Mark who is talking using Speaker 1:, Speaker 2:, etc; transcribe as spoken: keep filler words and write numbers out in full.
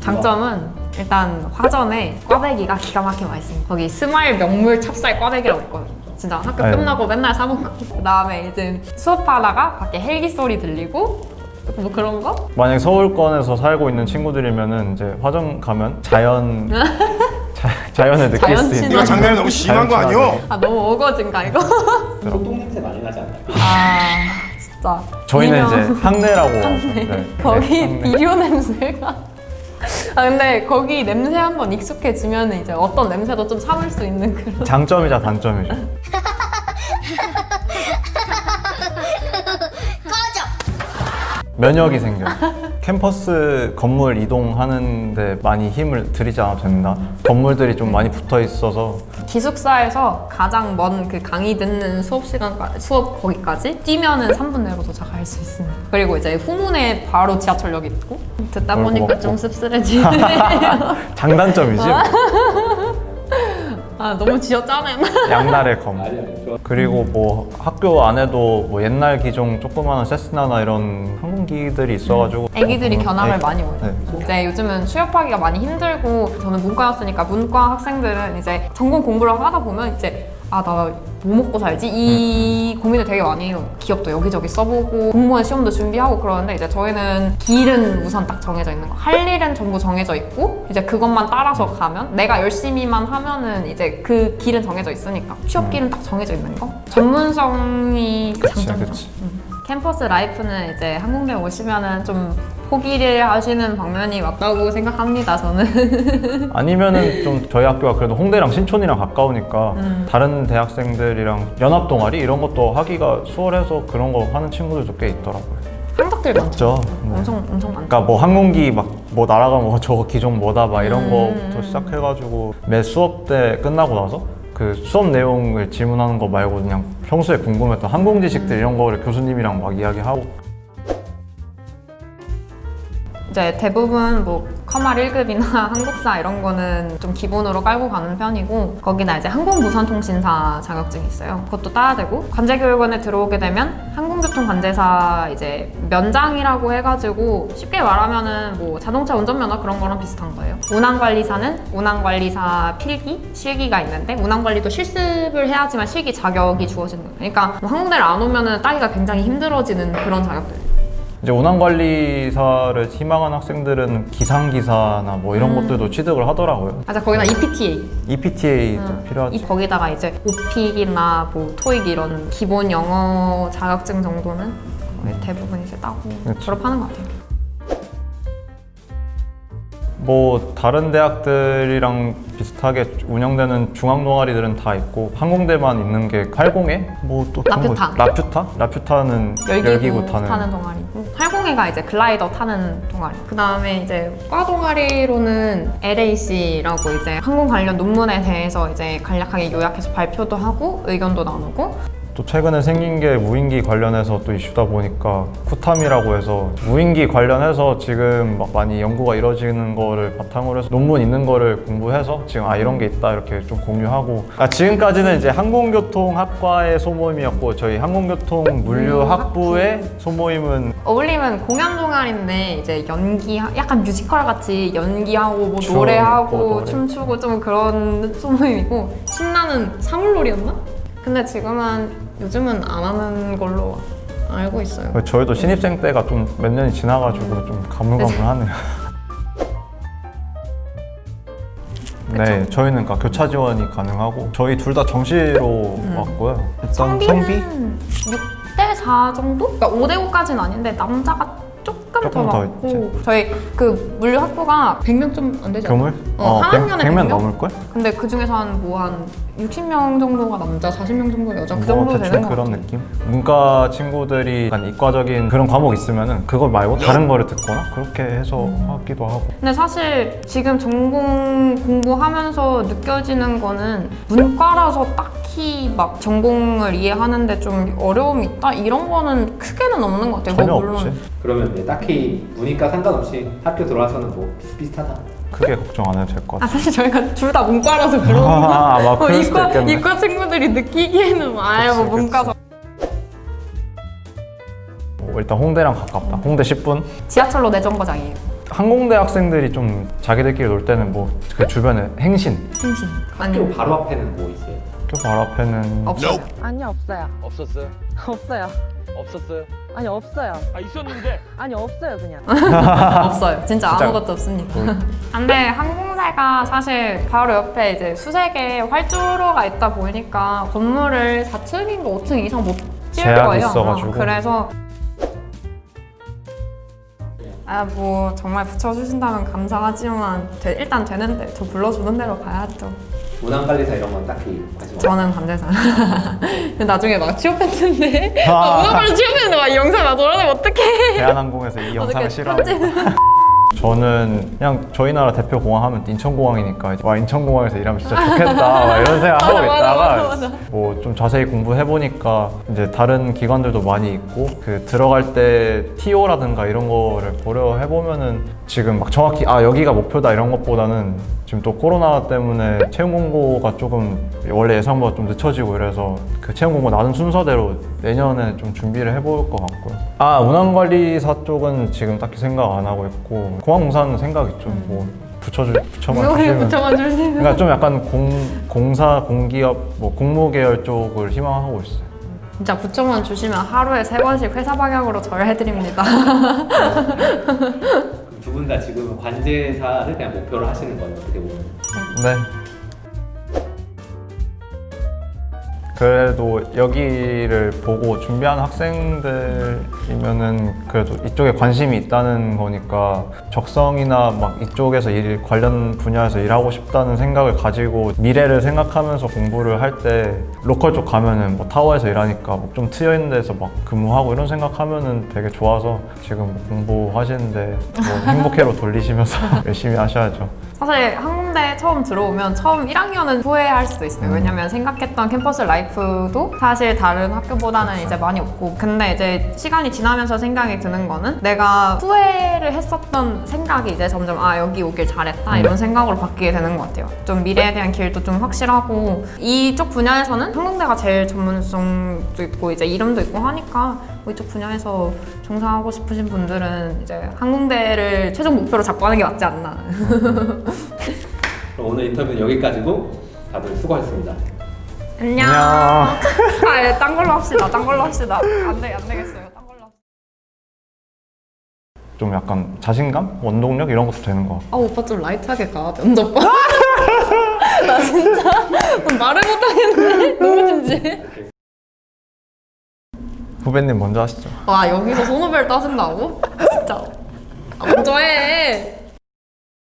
Speaker 1: 장점은 일단 화전에 꽈배기가 기가 막히게 맛있습니다. 거기 스마일 명물 찹쌀 꽈배기라고 있거든요. 진짜 학교
Speaker 2: 아유.
Speaker 1: 끝나고 맨날 사 먹고 그 다음에 이제 수업하다가 밖에 헬기 소리 들리고 뭐 그런 거?
Speaker 2: 만약 서울권에서 살고 있는 친구들이면은 이제 화정 가면 자연 자, 자연을 느낄
Speaker 1: 자연
Speaker 2: 수 있는.
Speaker 1: 친화.
Speaker 3: 이거 장난이 너무 심한 거 아니요?
Speaker 1: 아 너무 어거진가 이거?
Speaker 4: 똥 냄새 많이 나지 않나요?
Speaker 1: 아 진짜
Speaker 2: 저희는
Speaker 1: 미녀.
Speaker 2: 이제 향내라고.
Speaker 1: 향내.
Speaker 2: 네,
Speaker 1: 거기
Speaker 2: 네, 향내.
Speaker 1: 비료 냄새가 아 근데 거기 냄새 한번 익숙해지면 이제 어떤 냄새도 좀 참을 수 있는 그런
Speaker 2: 장점이자 단점이죠. 면역이 생겨. 캠퍼스 건물 이동하는데 많이 힘을 들이지 않아도 된다. 건물들이 좀 많이 붙어 있어서
Speaker 1: 기숙사에서 가장 먼 그 강의 듣는 수업 시간까지 수업 거기까지 뛰면은 삼 분 내로 도착할 수 있습니다. 그리고 이제 후문에 바로 지하철역이 있고 듣다
Speaker 2: 어이구,
Speaker 1: 보니까
Speaker 2: 고맙고.
Speaker 1: 좀 씁쓸해지네요.
Speaker 2: 장단점이지.
Speaker 1: 아 너무 지어짜네.
Speaker 2: 양날의 검.
Speaker 4: 아니 아니 좋아.
Speaker 2: 그리고 뭐 학교 안에도 뭐 옛날 기종 조그마한 세스나나 이런 항공기들이 있어가지고
Speaker 1: 애기들이
Speaker 2: 어,
Speaker 1: 견학을
Speaker 2: 애기-
Speaker 1: 많이 오요.
Speaker 2: 네.
Speaker 1: 이제 요즘은 취업하기가 많이 힘들고 저는 문과였으니까 문과 학생들은 이제 전공 공부를 하다 보면 이제 아 나 뭐 먹고 살지? 이 고민을 되게 많이 해요. 기업도 여기저기 써보고 공무원 시험도 준비하고 그러는데 이제 저희는 길은 우선 딱 정해져 있는 거. 할 일은 전부 정해져 있고 이제 그것만 따라서 가면 내가 열심히만 하면은 이제 그 길은 정해져 있으니까 취업 길은 딱 정해져 있는 거. 전문성이
Speaker 2: 그치,
Speaker 1: 장점이죠.
Speaker 2: 그치.
Speaker 1: 음. 캠퍼스 라이프는 이제 한국대 오시면은 좀 포기를 하시는 방면이 맞다고 생각합니다, 저는.
Speaker 2: 아니면은 좀 저희 학교가 그래도 홍대랑 신촌이랑 가까우니까
Speaker 1: 음.
Speaker 2: 다른 대학생들이랑 연합 동아리 이런 것도 하기가 수월해서 그런 거 하는 친구들도 꽤 있더라고요.
Speaker 1: 한적들 많죠.
Speaker 2: 맞죠? 네.
Speaker 1: 엄청 엄청 많죠.
Speaker 2: 그러니까 뭐 항공기 막 뭐 날아가면 뭐 저거 기종 뭐다 막 이런
Speaker 1: 음.
Speaker 2: 거부터 시작해가지고 매 수업 때 끝나고 나서 그 수업 내용을 질문하는 거 말고 그냥 평소에 궁금했던 항공 지식들 이런 거를 교수님이랑 막 이야기하고.
Speaker 1: 이제 대부분 뭐 커말 일 급이나 한국사 이런 거는 좀 기본으로 깔고 가는 편이고 거기나 이제 항공무선통신사 자격증이 있어요. 그것도 따야 되고 관제교육원에 들어오게 되면 항공교통관제사 이제 면장이라고 해가지고 쉽게 말하면은 뭐 자동차 운전면허 그런 거랑 비슷한 거예요. 운항관리사는 운항관리사 필기, 실기가 있는데 운항관리도 실습을 해야지만 실기 자격이 주어지는 거예요. 그러니까 뭐 항공대를 안 오면은 따기가 굉장히 힘들어지는 그런 자격들.
Speaker 2: 이제 운항관리사를 희망하는 학생들은 기상기사나 뭐 이런
Speaker 1: 음.
Speaker 2: 것들도 취득을 하더라고요.
Speaker 1: 맞아 거기나 이피티에이.
Speaker 2: 이피티에이도
Speaker 1: 음,
Speaker 2: 필요하지.
Speaker 1: 이 거기다가 이제 오픽이나 뭐 토익 이런 기본 영어 자격증 정도는 거의 대부분 이제 따고
Speaker 2: 그치.
Speaker 1: 졸업하는 것 같아요.
Speaker 2: 뭐 다른 대학들이랑 비슷하게 운영되는 중앙 동아리들은 다 있고 항공대만 있는 게 팔공회? 뭐 또
Speaker 1: 라퓨타.
Speaker 2: 라퓨타? 라퓨타는
Speaker 1: 열기구,
Speaker 2: 열기구 타는,
Speaker 1: 타는 동아리고 팔공회가 이제 글라이더 타는 동아리. 그 다음에 이제 과 동아리로는 엘에이씨라고 이제 항공 관련 논문에 대해서 이제 간략하게 요약해서 발표도 하고 의견도 나누고.
Speaker 2: 또 최근에 생긴 게 무인기 관련해서 또 이슈다 보니까 쿠탐이라고 해서 무인기 관련해서 지금 막 많이 연구가 이루어지는 거를 바탕으로 해서 논문 있는 거를 공부해서 지금 아 이런 게 있다 이렇게 좀 공유하고. 아, 지금까지는 이제 항공교통학과의 소모임이었고 저희 항공교통물류학부의 소모임은
Speaker 1: 어울림은 공연 동아리인데 이제 연기 약간 뮤지컬 같이 연기하고 뭐
Speaker 2: 춤,
Speaker 1: 노래하고
Speaker 2: 뭐 노래.
Speaker 1: 춤추고 좀 그런 소모임이고 신나는 사물놀이였나? 근데 지금은 요즘은 안 하는 걸로 알고 있어요.
Speaker 2: 저희도 신입생 때가 좀 몇 년이 지나가지고 좀 가물가물하네요. 네, 저희는 그러니까 교차 지원이 가능하고 저희 둘 다 정시로 왔고요. 일단 성비?
Speaker 1: 성비는 육 대 사 정도? 그러니까 오 대 오까지는 아닌데 남자가 조금,
Speaker 2: 조금
Speaker 1: 더
Speaker 2: 더
Speaker 1: 많고 저희 그 물류학부가 백 명 좀 안 되지 않아요?
Speaker 2: 교물?
Speaker 1: 어, 한 학년에
Speaker 2: 백 명
Speaker 1: 백 명?
Speaker 2: 넘을걸?
Speaker 1: 근데 그 중에서 한 뭐 한 육십 명 정도가 남자, 사십 명 정도 여자 그
Speaker 2: 뭐
Speaker 1: 정도
Speaker 2: 대충
Speaker 1: 되는 것
Speaker 2: 그런
Speaker 1: 같아요.
Speaker 2: 느낌? 문과 친구들이 약간 이과적인 그런 과목 있으면은 그거 말고 다른 거를 듣거나 그렇게 해서
Speaker 1: 음.
Speaker 2: 하기도 하고.
Speaker 1: 근데 사실 지금 전공 공부하면서 느껴지는 거는 문과라서 딱히 막 전공을 이해하는데 좀 어려움이 있다 이런 거는 크게는 없는 것 같아요.
Speaker 2: 전혀
Speaker 1: 뭐 물론
Speaker 2: 없지.
Speaker 4: 그러면 이제 딱히 문이과 상관없이 학교 들어와서는 뭐 비슷비슷하다.
Speaker 2: 크게 걱정 안 해도 될 것
Speaker 1: 아
Speaker 2: 같아.
Speaker 1: 사실 저희가 둘 다 문과라서 그런 거.
Speaker 2: 아, 막 그럴 수도
Speaker 1: 이과
Speaker 2: 있겠네.
Speaker 1: 이과 친구들이 느끼기에는 뭐 아예 뭐
Speaker 2: 그치,
Speaker 1: 문과서
Speaker 2: 뭐 일단 홍대랑 가깝다. 홍대 십 분.
Speaker 1: 지하철로 내 정거장이에요.
Speaker 2: 항공대 학생들이 좀 자기들끼리 놀 때는 뭐 그 주변에 행신
Speaker 1: 행신.
Speaker 4: 학교
Speaker 1: 아니
Speaker 4: 바로 앞에는 뭐 있어요?
Speaker 2: 학교 바로 앞에는
Speaker 1: 없어요.
Speaker 3: 아니요, 없어요.
Speaker 5: 없었어요?
Speaker 3: 없어요.
Speaker 5: 없었어요?
Speaker 3: 아니, 없어요.
Speaker 5: 아 있었는데
Speaker 3: 아니, 없어요, 그냥.
Speaker 1: 없어요. 진짜,
Speaker 2: 진짜.
Speaker 1: 아무것도 없습니다. 근데 항공대가 사실 바로 옆에 이제 수색에 활주로가 있다 보니까 건물을 사 층인가 오 층 이상 못 지을
Speaker 2: 제약이
Speaker 1: 거예요.
Speaker 2: 있어가지고.
Speaker 1: 그래서 아 뭐 정말 붙여주신다면 감사하지만 되- 일단 되는데 저 불러주는 대로 가야죠.
Speaker 4: 문안관리사 이런 건 딱히 관심 없어요.
Speaker 1: 저는 관제사. 근데 나중에 막 취업했는데
Speaker 2: 아.
Speaker 1: 아, 문화관리 취업했는데 막 이 영상 나 돌아다니면 어떡해.
Speaker 2: 대한항공에서 이 영상을
Speaker 1: 어떻게
Speaker 2: 싫어합니다. 저는 그냥 저희 나라 대표 공항 하면 인천공항이니까 이제 와 인천공항에서 일하면 진짜 좋겠다 막 이런 생각 하고
Speaker 1: 맞아, 맞아,
Speaker 2: 있다가
Speaker 1: 맞아, 맞아.
Speaker 2: 뭐 좀 자세히 공부해 보니까 이제 다른 기관들도 많이 있고 그 들어갈 때 티오라든가 이런 거를 고려해 보면은 지금 막 정확히 아 여기가 목표다 이런 것보다는 지금 또 코로나 때문에 채용 공고가 조금 원래 예상보다 좀 늦춰지고 이래서 그 채용 공고 나눈 순서대로 내년에 좀 준비를 해볼 것 같고요. 아 운항관리사 쪽은 지금 딱히 생각 안 하고 있고 공항공사는 생각 있죠. 뭐 붙여주 붙여만
Speaker 1: 왜
Speaker 2: 주시면.
Speaker 1: 붙여만 주시면.
Speaker 2: 그러니까 좀 약간 공 공사 공기업 뭐 공무 계열 쪽을 희망하고 있어요.
Speaker 1: 진짜 붙여만 주시면 하루에 세 번씩 회사 방향으로 절해드립니다.
Speaker 4: 두 분 다 지금 관제사를 그냥 목표로 하시는 거예요, 어떻게 보면.
Speaker 2: 네. 그래도 여기를 보고 준비하는 학생들이면은 그래도 이쪽에 관심이 있다는 거니까 적성이나 막 이쪽에서 일 관련 분야에서 일하고 싶다는 생각을 가지고 미래를 생각하면서 공부를 할 때 로컬 쪽 가면은 뭐 타워에서 일하니까 뭐 좀 트여 있는 데서 막 근무하고 이런 생각하면은 되게 좋아서 지금 뭐 공부하시는데 뭐 행복해로 돌리시면서 열심히 하셔야죠.
Speaker 1: 사실 항공대 처음 들어오면 처음 일 학년은 후회할 수도 있어요. 왜냐면 생각했던 캠퍼스 라이프도 사실 다른 학교보다는 이제 많이 없고, 근데 이제 시간이 지나면서 생각이 드는 거는 내가 후회를 했었던 생각이 이제 점점 아 여기 오길 잘했다 이런 생각으로 바뀌게 되는 것 같아요. 좀 미래에 대한 길도 좀 확실하고 이쪽 분야에서는 항공대가 제일 전문성도 있고 이제 이름도 있고 하니까 뭐 이쪽 분야에서 종사하고 싶으신 분들은 이제 항공대를 최종 목표로 잡고 하는 게 맞지 않나.
Speaker 4: 그럼 오늘 인터뷰는 여기까지고 다들 수고하셨습니다.
Speaker 1: 안녕.
Speaker 2: 안녕.
Speaker 1: 아, 예, 딴 걸로 합시다. 딴 걸로 합시다. 안 돼, 안 되겠어요. 딴 걸로 합시다.
Speaker 2: 좀 약간 자신감, 원동력 이런 것도 되는 것 같고.
Speaker 1: 아, 오빠 좀 라이트하게 가. 면접 봐. 나 진짜 말을 못 하겠네. 너무 진지해.
Speaker 2: 후배님 먼저 하시죠.
Speaker 1: 와, 여기서 손오벨 따진다고? 진짜. 아, 먼저 해.